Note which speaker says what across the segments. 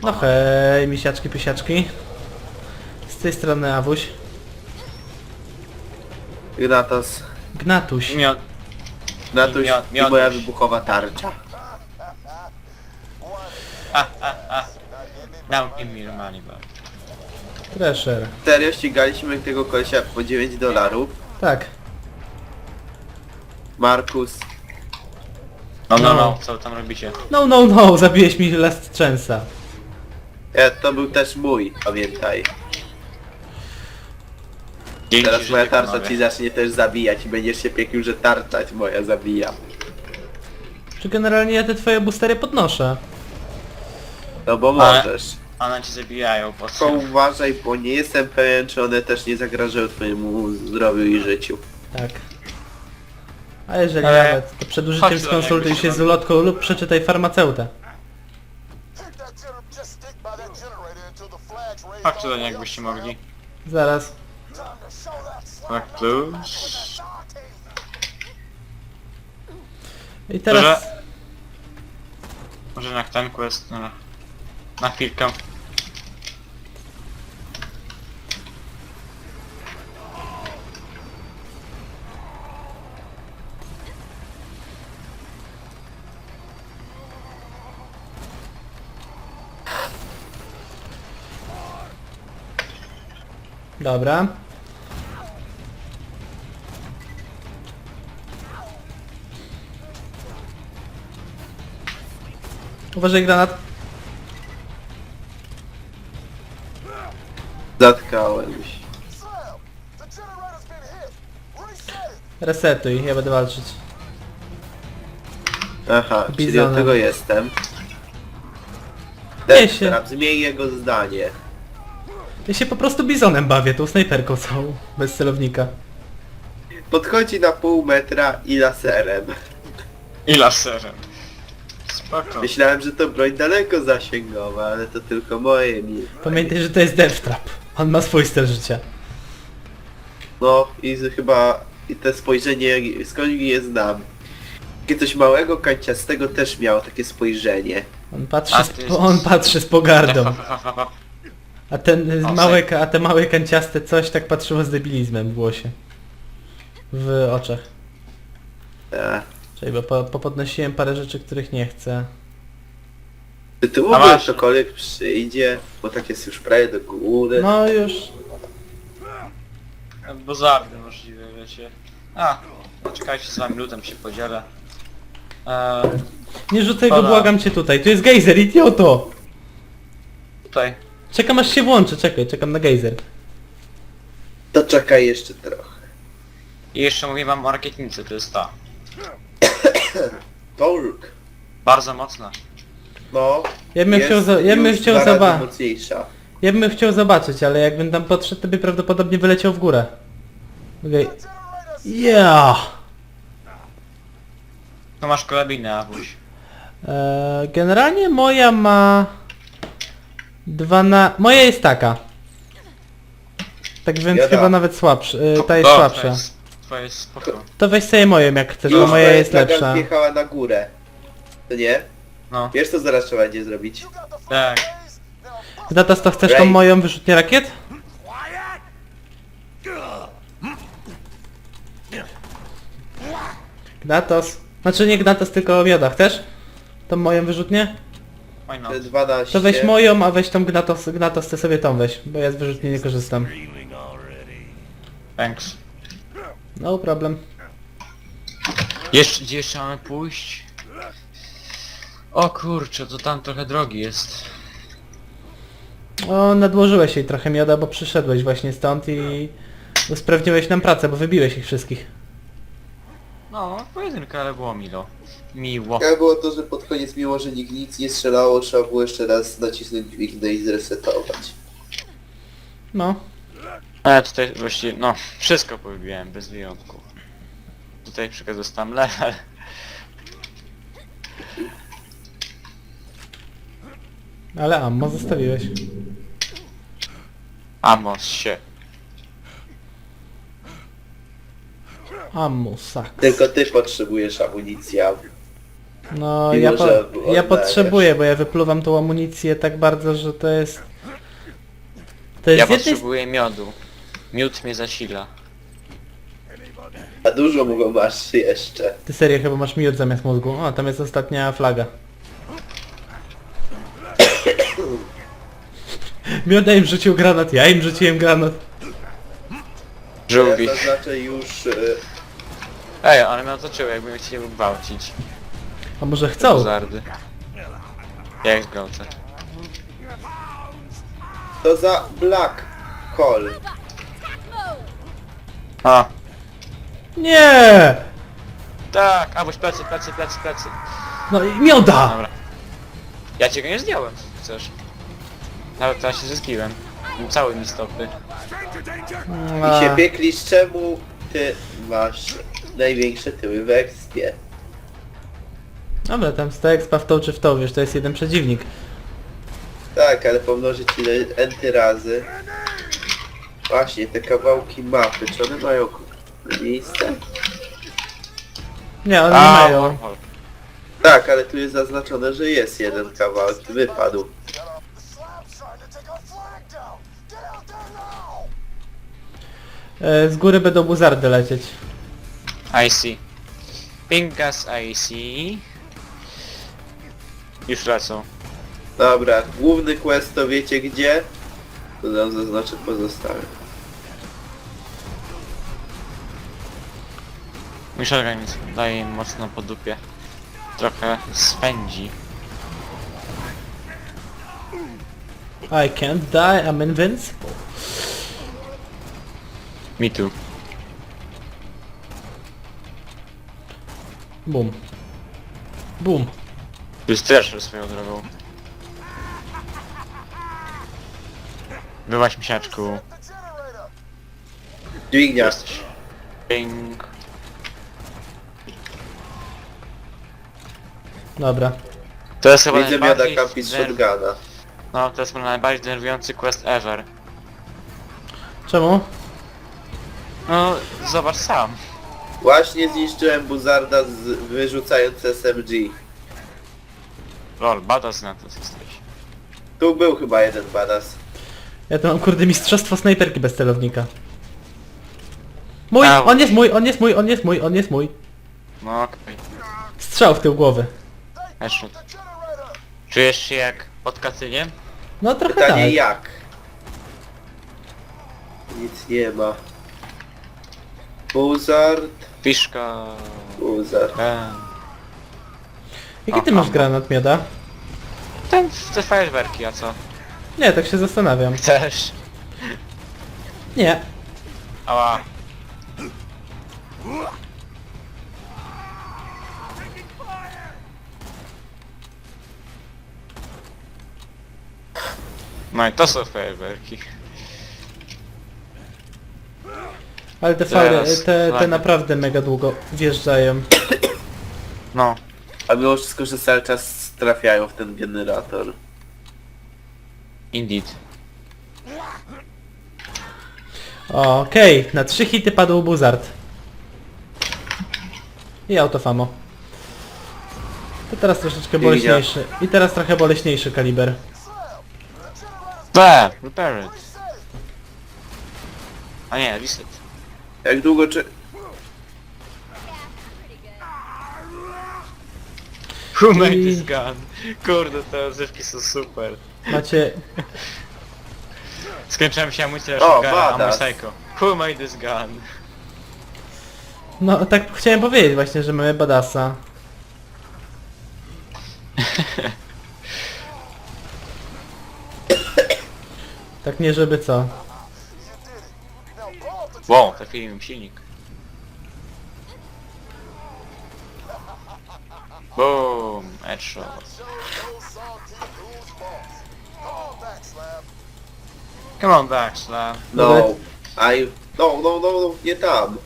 Speaker 1: No hej, misiaczki, pysiaczki. Z tej strony Awuś.
Speaker 2: Ignatos.
Speaker 1: Gnatuś.
Speaker 2: Gnatuś i moja wybuchowa tarcza.
Speaker 3: Now give me your money back.
Speaker 1: Thresher.
Speaker 2: Serio ścigaliśmy tego kolesia po $9.
Speaker 1: Tak.
Speaker 2: Markus.
Speaker 3: No, co wy tam robicie?
Speaker 1: No, zabiłeś mi last chance'a.
Speaker 2: To był też mój, pamiętaj.
Speaker 3: Dzięki,
Speaker 2: Teraz
Speaker 3: że
Speaker 2: moja
Speaker 3: się
Speaker 2: tarcza
Speaker 3: panowie.
Speaker 2: ci zacznie też zabijać i będziesz się piekł, że tarcza moja zabija.
Speaker 1: Czy generalnie ja te twoje boostery podnoszę?
Speaker 2: No bo
Speaker 3: Ale-
Speaker 2: możesz.
Speaker 3: One cię zabijają po
Speaker 2: Tylko
Speaker 3: co?
Speaker 2: uważaj, bo nie jestem pewien, czy one też nie zagrażają twojemu zdrowiu i życiu.
Speaker 1: Tak. A jeżeli
Speaker 3: Ale-
Speaker 1: nawet, to przed użyciem
Speaker 3: Chodź do
Speaker 1: skonsultuj
Speaker 3: niego,
Speaker 1: się z ulotką lub przeczytaj farmaceutę.
Speaker 3: Chodźcie do niej, jakbyście mogli.
Speaker 1: Zaraz.
Speaker 3: Tak, plus.
Speaker 1: I teraz...
Speaker 3: Może na ten quest, na chwilkę.
Speaker 1: Dobra. Uważaj, granat.
Speaker 2: Zatkałem się.
Speaker 1: Resetuj, ja będę walczyć.
Speaker 2: Aha, czyli
Speaker 1: Bizonem.
Speaker 2: od tego jestem.
Speaker 1: Nie się.
Speaker 2: Teraz zmień jego zdanie.
Speaker 1: Ja się po prostu bizonem bawię, tą snajperką całą. Bez celownika.
Speaker 2: Podchodzi na pół metra i laserem.
Speaker 3: I laserem. Spoko.
Speaker 2: Myślałem, że to broń daleko zasięgowa, ale to tylko moje mi.
Speaker 1: Pamiętaj, że to jest Death Trap. On ma swój styl życia.
Speaker 2: No i chyba i te spojrzenie, skąd je znam. Takie coś małego, kanciastego też miało takie spojrzenie.
Speaker 1: On patrzy z pogardą.
Speaker 3: O,
Speaker 1: A ten
Speaker 3: O,
Speaker 1: a te małe kanciaste coś tak patrzyło z debilizmem w głosie. W oczach. Czyli bo popodnosiłem parę rzeczy, których nie chcę.
Speaker 2: Czy tu
Speaker 3: A
Speaker 2: w ogóle
Speaker 3: masz-
Speaker 2: ktokolwiek przyjdzie? Bo tak jest już prawie do góry.
Speaker 1: No już.
Speaker 3: Bo zardy możliwe, wiecie. Czekajcie, z wami lutem się podzielę.
Speaker 1: Nie rzucaj go,
Speaker 3: Dobra.
Speaker 1: błagam cię tutaj. Tu jest gejzer, idioto!
Speaker 3: Tutaj.
Speaker 1: Czekam aż się włączy, czekam na gejzer.
Speaker 2: To czekaj jeszcze trochę.
Speaker 3: I jeszcze mówię wam o rakietnicy, to jest ta.
Speaker 2: Tork.
Speaker 3: Bardzo mocna.
Speaker 2: No.
Speaker 1: Ja bym
Speaker 2: jest
Speaker 1: chciał, ja bym
Speaker 2: już
Speaker 1: chciał
Speaker 2: dwa razy
Speaker 1: zobaczyć.
Speaker 2: mocniejsza.
Speaker 1: Ja bym chciał zobaczyć, ale jakbym tam podszedł, to by prawdopodobnie wyleciał w górę. Okej. Yeah!
Speaker 3: Tu masz karabinę, Awuś.
Speaker 1: Generalnie moja ma... Moja jest taka. Tak więc
Speaker 2: Bieda.
Speaker 1: chyba nawet słabsza. Ta jest słabsza.
Speaker 3: Twoja jest spoko.
Speaker 1: To weź sobie moją jak chcesz, bo
Speaker 2: Już
Speaker 1: moja
Speaker 2: twoja
Speaker 1: jest
Speaker 2: flaga
Speaker 1: lepsza.
Speaker 2: wjechała na górę. To nie?
Speaker 3: No.
Speaker 2: Wiesz co zaraz trzeba będzie zrobić?
Speaker 3: Tak.
Speaker 1: Gnatas, to chcesz tą
Speaker 2: Ray.
Speaker 1: moją wyrzutnię rakiet? Gnatos. Znaczy nie Gnatos, tylko Mioda. Chcesz? Tą moją wyrzutnię?
Speaker 3: Why not?
Speaker 2: Te 12.
Speaker 1: To weź moją, a weź tą Gnatos, ty sobie tą weź, bo ja z wyrzutni nie korzystam.
Speaker 3: Thanks.
Speaker 1: No problem.
Speaker 3: Gdzie jeszcze mamy pójść? O kurczę, to tam trochę drogi jest.
Speaker 1: O, nadłożyłeś jej trochę Mioda, bo przyszedłeś właśnie stąd i usprawniłeś nam pracę, bo wybiłeś ich wszystkich.
Speaker 3: No, pojedynka, ale było milo. Miło.
Speaker 2: Jak było to, że pod koniec, mimo że nikt nic nie strzelało, trzeba było jeszcze raz nacisnąć dźwignę i zresetować.
Speaker 1: No.
Speaker 3: Ale tutaj właściwie, no, wszystko powybiłem, bez wyjątku. Tutaj przykład dostałem level.
Speaker 1: Ale ammo zostawiłeś.
Speaker 3: Amos się.
Speaker 1: Ammo, sak.
Speaker 2: Tylko ty potrzebujesz amunicji.
Speaker 1: No
Speaker 2: Mimo, że
Speaker 1: ja
Speaker 2: oddajesz.
Speaker 1: potrzebuję, bo ja wypluwam tą amunicję tak bardzo, że to jest... To
Speaker 3: Ja
Speaker 1: jest z jednej...
Speaker 3: potrzebuję miodu. Miód mnie zasila.
Speaker 2: A dużo mu go masz jeszcze.
Speaker 1: Ty serio chyba masz miód zamiast mózgu. O, tam jest ostatnia flaga. Mioda im rzucił granat, ja im rzuciłem granat.
Speaker 3: Żółwi.
Speaker 2: Ja zaznaczę już...
Speaker 3: Ej, ale mnie otoczyły, jakby mnie chcieli gwałcić.
Speaker 1: A może chcą?
Speaker 3: Zardy. Jak zgwałcę?
Speaker 2: To za Black Hole.
Speaker 3: A,
Speaker 1: Nie!
Speaker 3: tak! A, boś plecy.
Speaker 1: No i mioda!
Speaker 3: Dobra. Ja cię go nie zdjąłem, chcesz. Nawet teraz się zyskiłem. Cały mi stopy.
Speaker 2: I się pieklisz, czemu ty masz największe tyły w ekspie?
Speaker 1: Dobra, tam 100 expa w tą czy w tą, wiesz, to jest jeden przeciwnik.
Speaker 2: Tak, ale pomnożyć ile enty razy. Właśnie, te kawałki mapy, czy one mają miejsce?
Speaker 1: Nie, one nie
Speaker 3: A,
Speaker 1: mają.
Speaker 3: wormhole.
Speaker 2: Tak, ale tu jest zaznaczone, że jest jeden kawałek, wypadł.
Speaker 1: Z góry będą buzardy lecieć.
Speaker 3: I see. Pinkas I see. Już lecą.
Speaker 2: Dobra, główny quest to wiecie gdzie? To nam zaznaczę pozostałe.
Speaker 3: Mój organizm daje im mocno po dupie. Trochę spędzi.
Speaker 1: I can't die, I'm invincible.
Speaker 3: Me too.
Speaker 1: Bum. Bum.
Speaker 3: Tu jest Thrasher swoją drogą. Byłaś misiaczku.
Speaker 2: Dźwignia.
Speaker 3: Jesteś. Ping.
Speaker 1: Dobra.
Speaker 3: To jest chyba
Speaker 2: Widzę mioda
Speaker 3: najbardziej...
Speaker 2: kampi z shotguna.
Speaker 3: No, to jest chyba najbardziej denerwujący quest ever.
Speaker 1: Czemu?
Speaker 3: No, zobacz sam.
Speaker 2: Właśnie zniszczyłem buzarda wyrzucając SMG.
Speaker 3: Lol, badass na to jesteś.
Speaker 2: Tu był chyba jeden badass.
Speaker 1: Ja tu mam kurde mistrzostwo snajperki bez celownika. Mój!
Speaker 3: Au.
Speaker 1: On jest mój, on jest mój, on jest mój, on jest mój.
Speaker 3: No okej.
Speaker 1: Strzał w tył głowy.
Speaker 3: Headshot. Czujesz się jak pod Katynie?
Speaker 1: No trochę
Speaker 2: Pytanie
Speaker 1: tak.
Speaker 2: jak? Nic nie ma. Buzard.
Speaker 3: Piszka...
Speaker 2: Buzard.
Speaker 1: Jaki ty
Speaker 3: O,
Speaker 1: masz
Speaker 3: ammo.
Speaker 1: granat, mioda?
Speaker 3: Te fajerwerki, a co?
Speaker 1: Nie, tak się zastanawiam.
Speaker 3: Chcesz?
Speaker 1: Nie.
Speaker 3: Ała. No i to są fajerwerki.
Speaker 1: Ale te
Speaker 3: Teraz
Speaker 1: fary, te
Speaker 3: flagi.
Speaker 1: naprawdę mega długo wjeżdżają.
Speaker 3: No.
Speaker 2: A mimo wszystko, że cały czas trafiają w ten generator.
Speaker 3: Indeed.
Speaker 1: Okej, na 3 hity padł buzard. I autofamo. To teraz troszeczkę boleśniejszy. I teraz trochę boleśniejszy kaliber.
Speaker 3: Repair it. A nie, reset.
Speaker 2: Jak długo czy...
Speaker 3: Who made
Speaker 1: I-
Speaker 3: this gun? Kurde, te odzywki są super.
Speaker 1: Macie...
Speaker 3: Skończyłem się amunicję
Speaker 2: O,
Speaker 3: shotguna, a mój
Speaker 2: badass.
Speaker 3: psycho. Who made this gun?
Speaker 1: No tak chciałem powiedzieć właśnie, że mamy badassa. Tak nie żeby co.
Speaker 3: Wow, trafili mi silnik. Boom, headshot. Come on back, Slab.
Speaker 2: No. No, nie tam.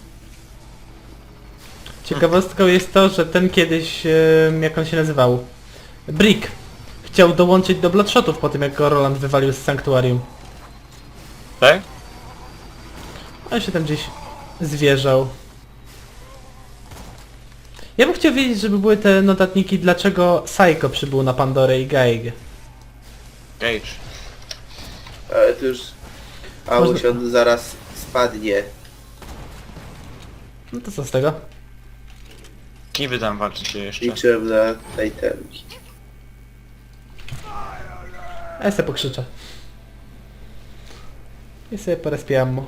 Speaker 1: Ciekawostką jest to, że ten kiedyś, jak on się nazywał? Brick. Chciał dołączyć do Bloodshotów po tym, jak go Roland wywalił z Sanktuarium.
Speaker 3: Tak?
Speaker 1: On się tam gdzieś zwierzał. Ja bym chciał wiedzieć, żeby były te notatniki, dlaczego Psycho przybył na Pandorę i Gaig.
Speaker 3: Gage.
Speaker 2: Ale to już... Ałuś, on zaraz spadnie.
Speaker 1: No to co z tego?
Speaker 3: Kim wy tam walczycie jeszcze?
Speaker 2: Liczyłem na tej temki.
Speaker 1: A ja sobie pokrzyczę. I sobie porespię ammo.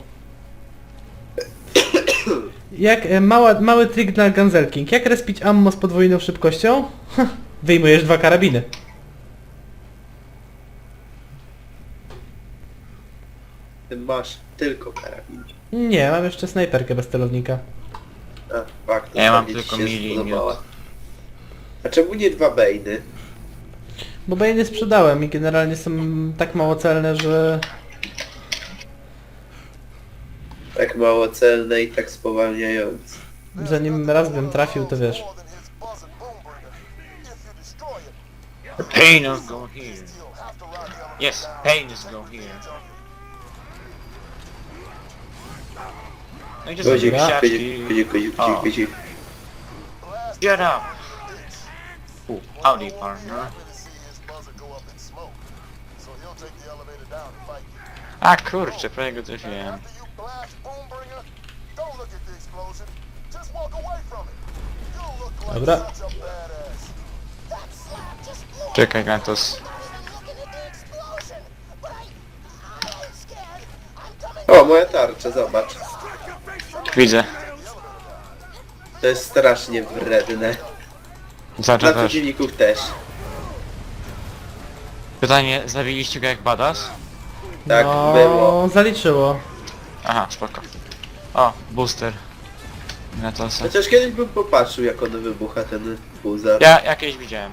Speaker 1: Jak mały trik dla Ganzelking. Jak respić ammo z podwójną szybkością? Wyjmujesz 2 karabiny.
Speaker 2: Ty masz tylko karabin.
Speaker 1: Nie, mam jeszcze snajperkę bez celownika.
Speaker 2: A, fakt,
Speaker 3: Ja mam
Speaker 2: ostatnio ci
Speaker 3: tylko
Speaker 2: się
Speaker 3: mili i
Speaker 2: spodobała.
Speaker 3: miód.
Speaker 2: A czemu nie 2 bejny?
Speaker 1: Bo bejny sprzedałem i generalnie są tak mało celne, że...
Speaker 2: Tak mało celne i tak spowalniające.
Speaker 1: zanim raz bym trafił, to wiesz.
Speaker 3: Pain is go here. Yes, pain is go here. No i gdzie są
Speaker 2: Kozik,
Speaker 3: te
Speaker 2: kozik, kozik,
Speaker 3: O.
Speaker 2: kozik, kozik.
Speaker 3: Get up! Howdy, partner. A kurczę, prawie go trafiłem.
Speaker 1: Dobra.
Speaker 3: Czekaj, Gantos.
Speaker 2: O, moja tarcza, zobacz.
Speaker 3: Widzę.
Speaker 2: To jest strasznie wredne.
Speaker 3: Znaczy
Speaker 2: Dla
Speaker 3: też.
Speaker 2: przeciwników też.
Speaker 3: Pytanie, zabiliście go jak badass?
Speaker 2: Tak
Speaker 1: no,
Speaker 2: było.
Speaker 1: zaliczyło.
Speaker 3: Aha, spoko. O, booster. Gatosa.
Speaker 2: Chociaż kiedyś bym popatrzył, jak on wybucha, ten buzar.
Speaker 3: Ja jakieś widziałem.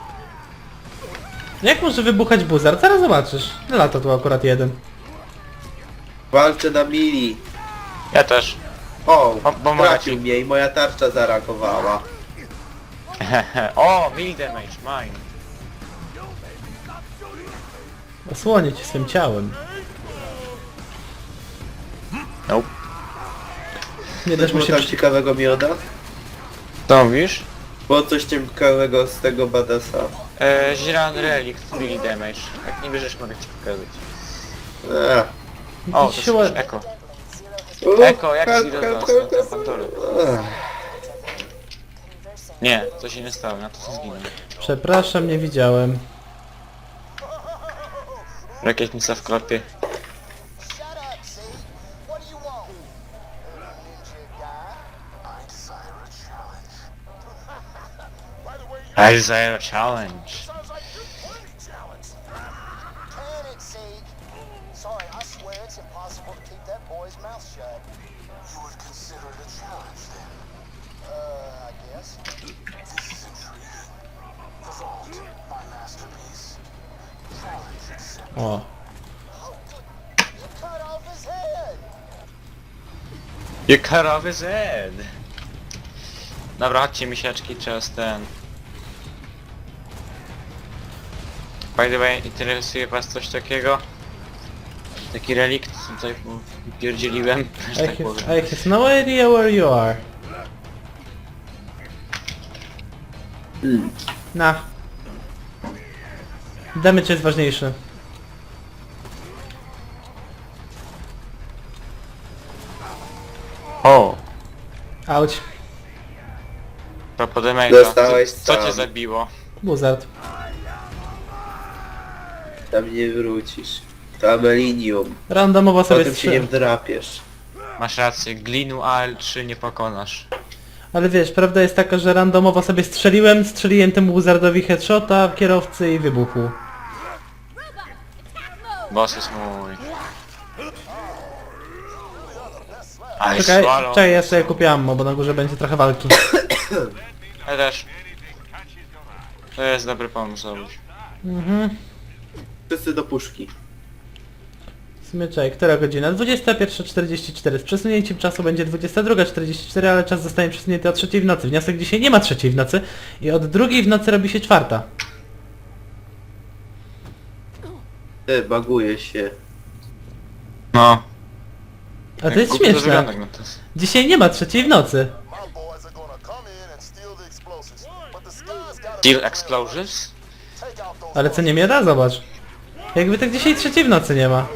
Speaker 1: Jak może wybuchać buzar? Zaraz zobaczysz. Lata tu akurat jeden.
Speaker 2: Walczę na mili.
Speaker 3: Ja też.
Speaker 2: O,
Speaker 3: Bo ma
Speaker 2: trafił
Speaker 3: taki-
Speaker 2: mnie i moja tarcza zareagowała.
Speaker 3: O, melee damage, mine.
Speaker 1: Osłonię cię swym ciałem.
Speaker 3: Nope.
Speaker 1: Nie
Speaker 2: Coś
Speaker 1: dasz mu
Speaker 2: było
Speaker 1: się...
Speaker 2: tam ciekawego mioda?
Speaker 3: To mówisz?
Speaker 2: Było coś ciekawego z tego badasa.
Speaker 3: Zielony relikt, melee damage. Jak nie bierzesz, mogę ci pokazać.
Speaker 2: Ech.
Speaker 3: O, to
Speaker 1: Siła...
Speaker 3: jest Eko.
Speaker 2: U,
Speaker 3: Eko, jak
Speaker 2: help,
Speaker 3: Zero
Speaker 2: help,
Speaker 3: dostał
Speaker 2: help,
Speaker 3: na
Speaker 2: help.
Speaker 3: Pandorę?
Speaker 2: Ech.
Speaker 3: Nie, to się nie stało, na to co zginął.
Speaker 1: Przepraszam, nie widziałem.
Speaker 3: Rakietnica w klapie. I desire a challenge.
Speaker 4: Sorry, I swear it's impossible to keep that boy's mouth shut. You would consider it a challenge then? I guess. This is intriguing. The Vault, my masterpiece. Challenge accepted.
Speaker 1: O.
Speaker 4: You cut off his head!
Speaker 3: You cut off his head. Dobra, chodźcie misiaczki, czas ten. By the way, interesuje was coś takiego? Taki relikt, tutaj pierdzieliłem, że tak powiem.
Speaker 1: I have no idea where you are. Na. Damage jest ważniejszy.
Speaker 3: O!
Speaker 1: Auć.
Speaker 3: Propos damage'a,
Speaker 2: Dostałeś
Speaker 3: co cię
Speaker 2: sam.
Speaker 3: zabiło?
Speaker 1: Buzard.
Speaker 2: Tam nie wrócisz. To amelinium.
Speaker 1: Randomowo sobie
Speaker 2: Potem się nie
Speaker 1: strzel...
Speaker 2: wdrapiesz.
Speaker 3: Masz rację, glinu AL3 nie pokonasz.
Speaker 1: Ale wiesz, prawda jest taka, że randomowo sobie strzeliłem temu buzardowi headshota w kierowcy i wybuchł.
Speaker 3: Boss jest mój. I
Speaker 1: Czekaj,
Speaker 3: swallow.
Speaker 1: czekaj, ja sobie kupię ammo, bo na górze będzie trochę walki.
Speaker 3: Ja też. To jest dobry pomysł, Oluś.
Speaker 1: Mhm.
Speaker 2: Wszyscy do puszki.
Speaker 1: W sumie czekaj, która godzina? 21:44. Z przesunięciem czasu będzie 22:44, ale czas zostanie przesunięty o 3 w nocy. Wniosek dzisiaj nie ma 3 w nocy i od 2 w nocy robi się 4.
Speaker 2: Ty, baguje się.
Speaker 3: No.
Speaker 1: A to jest
Speaker 3: Głupio
Speaker 1: śmieszne.
Speaker 3: wygląda, no to jest.
Speaker 1: Dzisiaj nie ma 3 w nocy.
Speaker 4: My boys are gonna come in and steal the
Speaker 3: Steel Explosions?
Speaker 4: Take out those
Speaker 1: Ale co nie miada? Zobacz. Jakby tak dzisiaj trzeciej w nocy nie ma.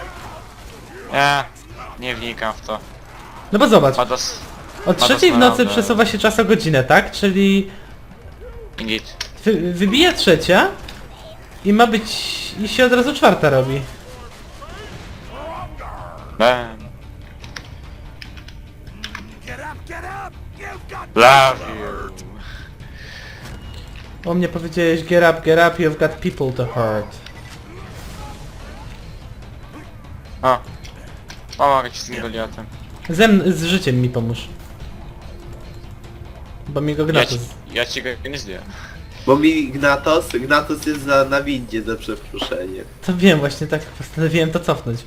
Speaker 3: Nie wnikam w to.
Speaker 1: No bo zobacz,
Speaker 3: Badas...
Speaker 1: od trzeciej w nocy
Speaker 3: naprawdę.
Speaker 1: przesuwa się czas o godzinę, tak? Czyli
Speaker 3: Indeed.
Speaker 1: wybija trzecia i ma być... i się od razu czwarta robi.
Speaker 3: Bam. Love you.
Speaker 1: O mnie powiedziałeś get up, you've got people to hurt.
Speaker 3: O. Pomogę ci z tym Goliatem.
Speaker 1: Z życiem mi pomóż. Bo mi go Gnatus...
Speaker 3: Ja ci go nie zdjąłem.
Speaker 2: Bo mi Gnatos jest na windzie za przeproszeniem.
Speaker 1: To wiem, właśnie tak postanowiłem to cofnąć.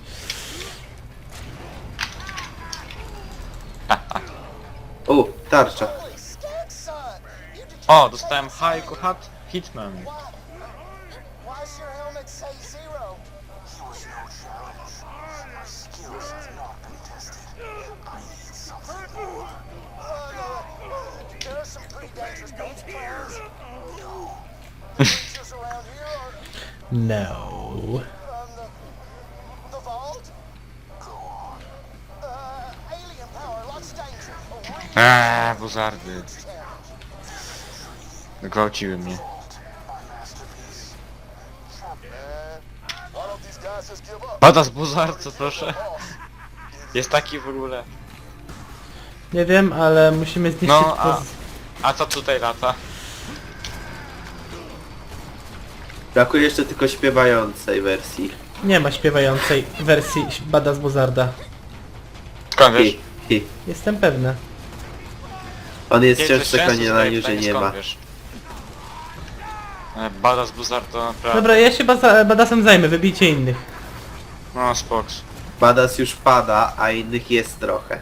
Speaker 2: O, tarcza.
Speaker 4: Holy skag, son! You did
Speaker 3: O, dostałem Haiku Hitman.
Speaker 4: Why's your helmet say zero? He was no challenge. My skills have not been tested. I need something more. There are some pretty dangerous boats players. No. The creatures around here are
Speaker 1: No.
Speaker 4: the vault. Go on. Alien power, lots of danger. A real
Speaker 3: Buzardy.
Speaker 4: challenge.
Speaker 3: Gwałciły mnie.
Speaker 4: My masterpiece. Man, why don't these guys just give up?
Speaker 3: Badas Buzarco, proszę. Jest taki w ogóle.
Speaker 1: Nie wiem, ale musimy zniszczyć...
Speaker 3: No,
Speaker 1: to
Speaker 3: a co tutaj lata?
Speaker 2: Brakuje jeszcze tylko śpiewającej wersji.
Speaker 1: Nie ma śpiewającej wersji Bada z Buzarda.
Speaker 3: Skąd wiesz?
Speaker 2: Hi.
Speaker 1: Jestem pewny.
Speaker 2: On jest
Speaker 3: Kiedy
Speaker 2: ciężko
Speaker 3: sensu
Speaker 2: przekonany,
Speaker 3: zdaje
Speaker 2: że
Speaker 3: pytanie,
Speaker 2: nie
Speaker 3: skąd
Speaker 2: ma.
Speaker 3: wiesz? Badas Buzard to naprawdę...
Speaker 1: Dobra, ja się Badasem zajmę, wybijcie innych.
Speaker 3: No spoks.
Speaker 2: Badas już pada, a innych jest trochę.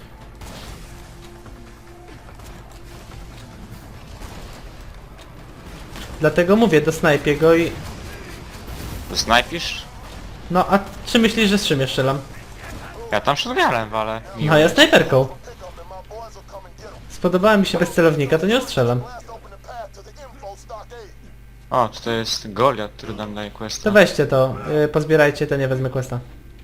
Speaker 1: Dlatego mówię, do snajpie go i...
Speaker 3: Snajpisz?
Speaker 1: No, a czy myślisz, że z czym ja strzelam?
Speaker 3: Ja tam shotgunem, ale...
Speaker 1: No, ja snajperką.
Speaker 4: Pick up and my boys will come and get them.
Speaker 1: Spodobała mi się bez celownika, to nie ostrzelam.
Speaker 4: Blast open the path to the info stockade.
Speaker 3: O, tutaj jest Goliat, który nam daje questa.
Speaker 1: To weźcie to, pozbierajcie, to nie wezmę questa.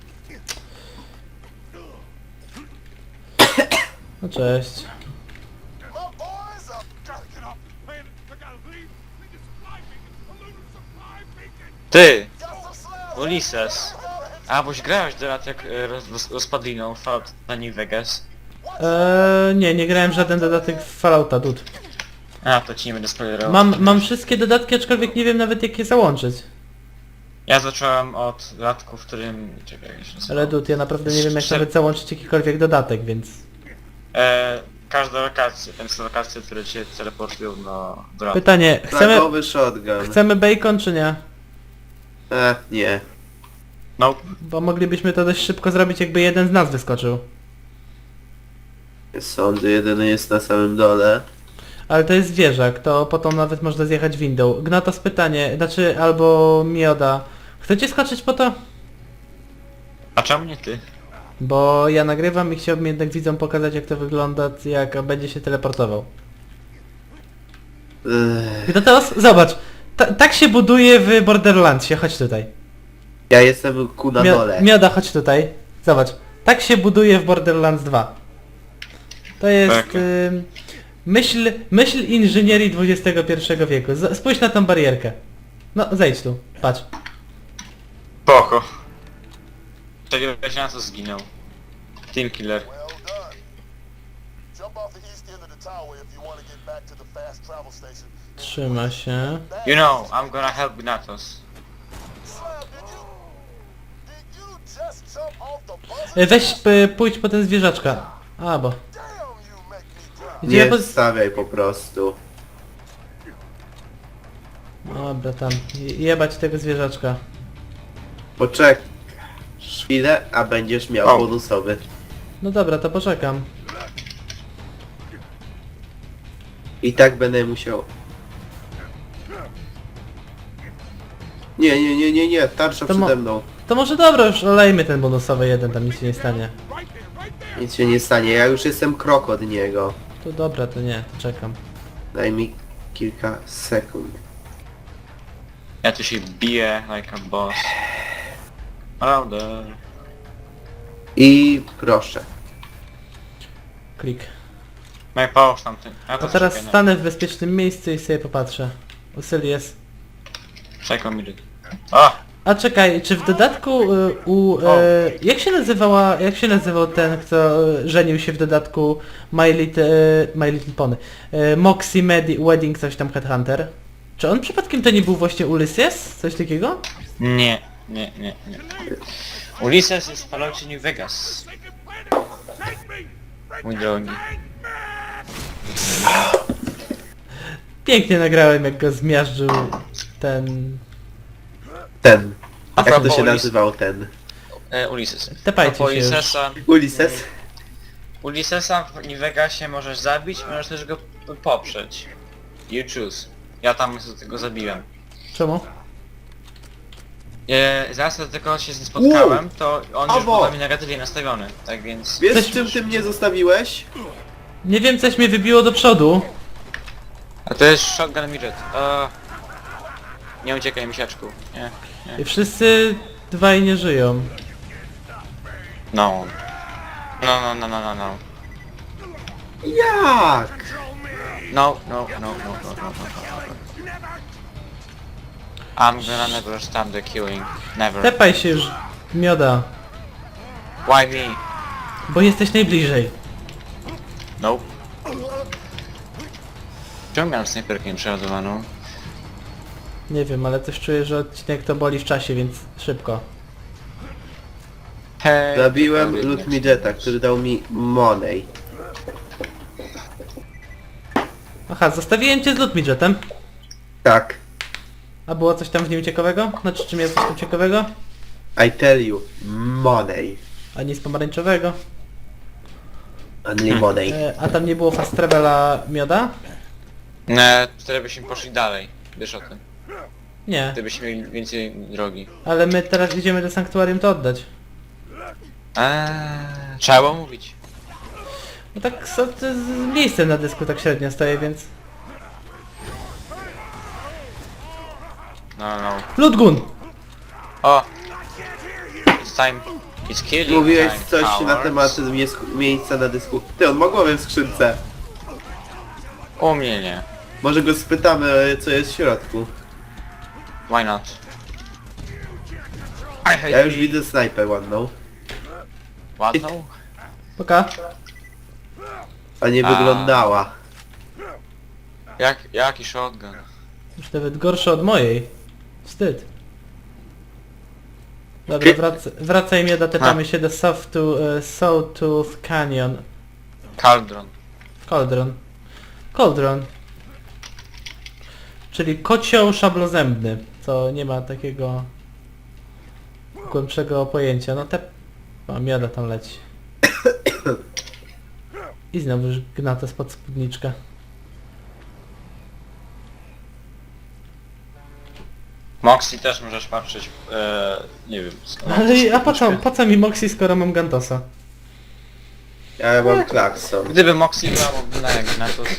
Speaker 1: No cześć.
Speaker 4: My boys are... Gotta get off the planet. I gotta leave. We get supply beacon. A lunar supply beacon.
Speaker 3: Ty!
Speaker 4: Got some slabs.
Speaker 3: Ulises! A, boś grałeś teraz jak rozpadliną Fallout na New Vegas.
Speaker 1: Nie grałem w żaden dodatek w Fallouta, dude.
Speaker 3: A, to ci nie będę spoilerował.
Speaker 1: Mam wszystkie dodatki, aczkolwiek nie wiem nawet jak je załączyć.
Speaker 3: Ja zacząłem od latku, w którym... Czekaj, jak się nazywa?
Speaker 1: Ale dude, ja naprawdę nie wiem jak
Speaker 3: Szczer-
Speaker 1: nawet załączyć jakikolwiek dodatek, więc...
Speaker 3: Każda lokacja, tam są lokacje, które cię teleportują do latku.
Speaker 1: Pytanie,
Speaker 2: Flagowy shotgun.
Speaker 1: chcemy bacon czy nie?
Speaker 2: Nie.
Speaker 3: No,
Speaker 1: Bo moglibyśmy to dość szybko zrobić, jakby jeden z nas wyskoczył.
Speaker 2: Sądy jedyny jest na samym dole.
Speaker 1: Ale to jest zwierzak, to potem nawet można zjechać windą. Gnatos pytanie, znaczy albo Mioda. Chcecie skoczyć po to?
Speaker 3: a czemu nie ty?
Speaker 1: Bo ja nagrywam i chciałbym jednak widzom pokazać jak to wygląda, jak będzie się teleportował. Gnatos, zobacz! Tak się buduje w Borderlandsie, chodź tutaj.
Speaker 2: Ja jestem ku na dole.
Speaker 1: Mioda, chodź tutaj. Zobacz. Tak się buduje w Borderlands 2. To jest...
Speaker 3: Tak.
Speaker 1: myśl inżynierii XXI wieku. Spójrz na tą barierkę. No, zejdź tu. Patrz.
Speaker 3: Poko. Wtedy na co zginął. Team Killer.
Speaker 4: Well done. Jump off the east end of the tower if you want to get back to the fast travel station.
Speaker 1: Trzyma się.
Speaker 3: You know, I'm gonna help Gnatos.
Speaker 4: Slab, did you just jump off the buzzer?
Speaker 1: Weź, pójdź po ten zwierzaczka. A, bo...
Speaker 4: Damn, you make me cry.
Speaker 1: Gdzie ja
Speaker 2: Nie stawiaj po prostu.
Speaker 1: Dobra, tam. Jebać tego zwierzaczka.
Speaker 2: Poczekaj chwilę, a będziesz miał
Speaker 3: O.
Speaker 2: bonusowy.
Speaker 1: No dobra, to poczekam.
Speaker 2: I tak będę musiał... Nie, tarcza
Speaker 1: To mo-
Speaker 2: przede mną.
Speaker 1: To może dobra, już olejmy ten bonusowy jeden, tam nic się nie stanie.
Speaker 2: Nic się nie stanie, ja już jestem krok od niego.
Speaker 1: To dobra, to nie, to czekam.
Speaker 2: Daj mi kilka sekund.
Speaker 3: Ja tu się biję like a boss. Prawda.
Speaker 2: I proszę.
Speaker 1: Klik.
Speaker 3: My power tamten. Ja
Speaker 1: A teraz stanę w bezpiecznym miejscu i sobie popatrzę. Usylies.
Speaker 3: Czekaj mi. O!
Speaker 1: A czekaj, czy w dodatku jak się nazywał ten, kto żenił się w dodatku My Little Pony? Moxie Wedding, coś tam Headhunter. Czy on przypadkiem to nie był właśnie Ulysses? Coś takiego?
Speaker 3: Nie. Ulysses jest w Falloutie New Vegas. Mój drogi.
Speaker 1: Pięknie nagrałem, jak go zmiażdżył ten...
Speaker 2: Ten.
Speaker 3: A
Speaker 2: Jak to
Speaker 3: propos
Speaker 2: się
Speaker 3: Ulis-
Speaker 2: nazywał ten?
Speaker 3: Ulises.
Speaker 1: Tepajcie
Speaker 3: Propos
Speaker 1: się już.
Speaker 3: Ulyssesa.
Speaker 2: Ulises?
Speaker 3: W New Vegasie możesz zabić, możesz też go poprzeć. You choose. Ja tam go zabiłem.
Speaker 1: Czemu?
Speaker 3: Zaraz do tego się z nim spotkałem, to on już był na mnie negatywnie nastawiony, tak więc...
Speaker 2: Wiesz
Speaker 1: Coś-
Speaker 2: czym ty mnie zostawiłeś?
Speaker 1: Nie wiem, coś mnie wybiło do przodu.
Speaker 3: A to jest shotgun midget. Nie uciekaj, misiaczku. Nie.
Speaker 1: I wszyscy dwaj nie żyją.
Speaker 3: No. No.
Speaker 2: Jak?
Speaker 3: No. I'm gonna never stop the killing. Never.
Speaker 1: Tepaj się już, mioda.
Speaker 3: Why me?
Speaker 1: Bo jesteś najbliżej.
Speaker 3: Nope. Czemu miałem snajperkę przeładowaną?
Speaker 1: Nie wiem, ale coś czuję, że odcinek to boli w czasie, więc szybko.
Speaker 3: Hej.
Speaker 2: Zabiłem Loot Midgeta, który dał mi money.
Speaker 1: Aha, zostawiłem cię z loot midgetem.
Speaker 2: Tak.
Speaker 1: A było coś tam w nim ciekawego? Znaczy, czy miał coś tam ciekawego?
Speaker 2: I tell you, money.
Speaker 1: A nic pomarańczowego.
Speaker 2: Only money.
Speaker 1: A tam nie było fast travela mioda?
Speaker 3: Wtedy byśmy poszli dalej. Wiesz o tym.
Speaker 1: Nie,
Speaker 3: Gdybyśmy mieli więcej drogi.
Speaker 1: ale my teraz idziemy do sanktuarium to oddać.
Speaker 3: Trzeba było mówić.
Speaker 1: No tak z miejscem na dysku tak średnio stoję, więc...
Speaker 3: No.
Speaker 1: Loot gun!
Speaker 3: O! It's time. It's killing
Speaker 2: Mówiłeś
Speaker 3: time,
Speaker 2: coś na
Speaker 3: cowards.
Speaker 2: temat miejsca na dysku. Ty, on ma głowę w skrzynce.
Speaker 3: U mnie nie.
Speaker 2: Może go spytamy, co jest w środku.
Speaker 3: Why not? I hate
Speaker 2: Ja już
Speaker 3: me.
Speaker 2: widzę snajpę ładną.
Speaker 3: Ładną?
Speaker 1: Poka.
Speaker 2: A nie
Speaker 3: A.
Speaker 2: wyglądała.
Speaker 3: Jaki shotgun?
Speaker 1: Już nawet gorsze od mojej. Wstyd. Dobra, wracaj mioda, tepamy się do Sawtooth Canyon.
Speaker 3: Cauldron.
Speaker 1: Cauldron. Czyli kocioł szablozębny, co nie ma takiego głębszego pojęcia. No te... O, mioda tam leci. I znowu już gnata spod spódniczka.
Speaker 3: Moxie też możesz patrzeć, nie wiem.
Speaker 1: Ale a po co mi Moxie, skoro mam Gantosa?
Speaker 2: Ja mam klakson.
Speaker 3: Gdyby Moxie była mobilna jak Gnatus.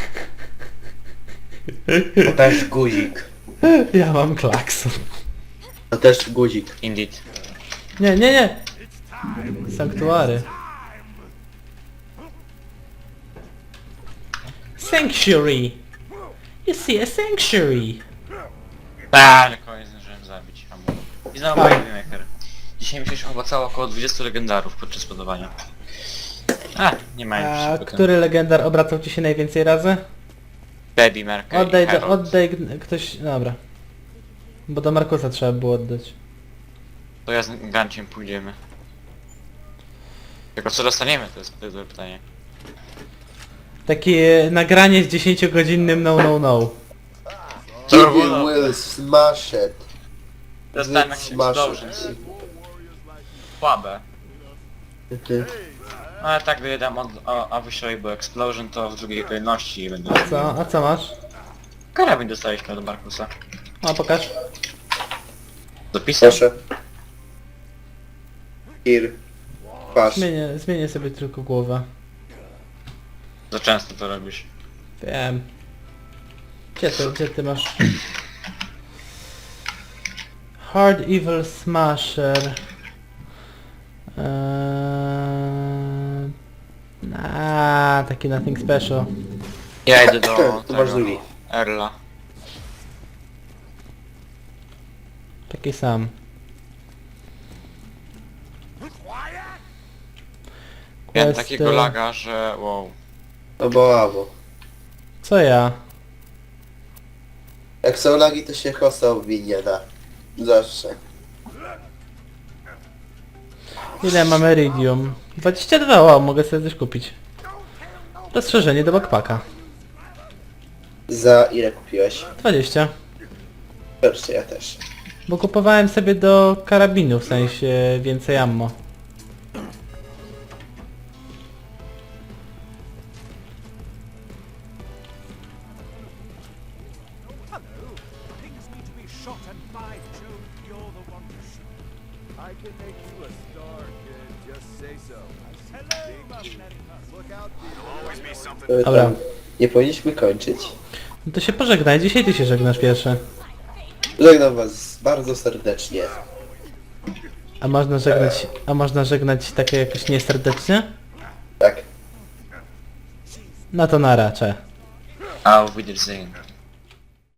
Speaker 2: To też guzik.
Speaker 1: Ja mam klakson.
Speaker 2: To też guzik.
Speaker 3: Indeed.
Speaker 1: Nie. Sanktuary. Sanctuary. You see a sanctuary.
Speaker 3: Ale koniec zdążyłem zabić. I znowu
Speaker 1: Tak.
Speaker 3: Baby Maker. Dzisiaj mi się chyba cało około 20 legendarów podczas podawania. Nie mają
Speaker 1: A
Speaker 3: się potem.
Speaker 1: który legendar obracał ci się najwięcej razy?
Speaker 3: Baby Maker i Herald.
Speaker 1: Ktoś... Dobra. Bo do Markusa trzeba było oddać.
Speaker 3: To ja z Ganciem pójdziemy. Tylko co dostaniemy, to jest dobre pytanie.
Speaker 1: Takie nagranie z 10-godzinnym no.
Speaker 2: You will smash it.
Speaker 3: Dostałem jakieś
Speaker 2: Smash it.
Speaker 3: explosions. Słabe. No ale tak gdy dam Avishable Explosion, to w drugiej kolejności będę...
Speaker 1: A co masz?
Speaker 3: Karabin dostaliśmy od Markusa.
Speaker 1: A pokaż.
Speaker 3: Dopisem?
Speaker 2: Proszę. Here. Patrz.
Speaker 1: Zmienię sobie tylko głowę.
Speaker 3: Za często to robisz.
Speaker 1: Wiem. Gdzie ty masz? Hard Evil Smasher. Taki nothing special.
Speaker 3: Ja idę do
Speaker 2: Tu masz
Speaker 3: tego,
Speaker 2: drugi.
Speaker 3: Erla.
Speaker 1: Taki sam.
Speaker 3: Miałem
Speaker 1: Questy.
Speaker 3: takiego laga, że wow.
Speaker 2: No bo.
Speaker 1: Co ja?
Speaker 2: Jak są lagi, to się hosta obwinie da. Zawsze.
Speaker 1: Ile mam Iridium? 22, wow, mogę sobie coś kupić. Rozszerzenie do backpacka.
Speaker 2: Za ile kupiłeś?
Speaker 1: 20.
Speaker 2: Proszę, ja też.
Speaker 1: Bo kupowałem sobie do karabinu, w sensie więcej ammo.
Speaker 5: Things need to be shot and by Jove, you're the one to shoot.
Speaker 6: I can make you a star, kid. Just say so.
Speaker 5: Hello, mercenaries.
Speaker 6: Look out,
Speaker 5: Always be something.
Speaker 1: Dobra.
Speaker 2: Nie powinniśmy kończyć.
Speaker 1: No to się pożegnaj, dzisiaj ty się żegnasz pierwszy.
Speaker 2: Żegnam was bardzo serdecznie.
Speaker 1: A można żegnać takie jakoś nieserdecznie?
Speaker 2: Tak.
Speaker 1: No to na racze.
Speaker 3: Auf Wiedersehen.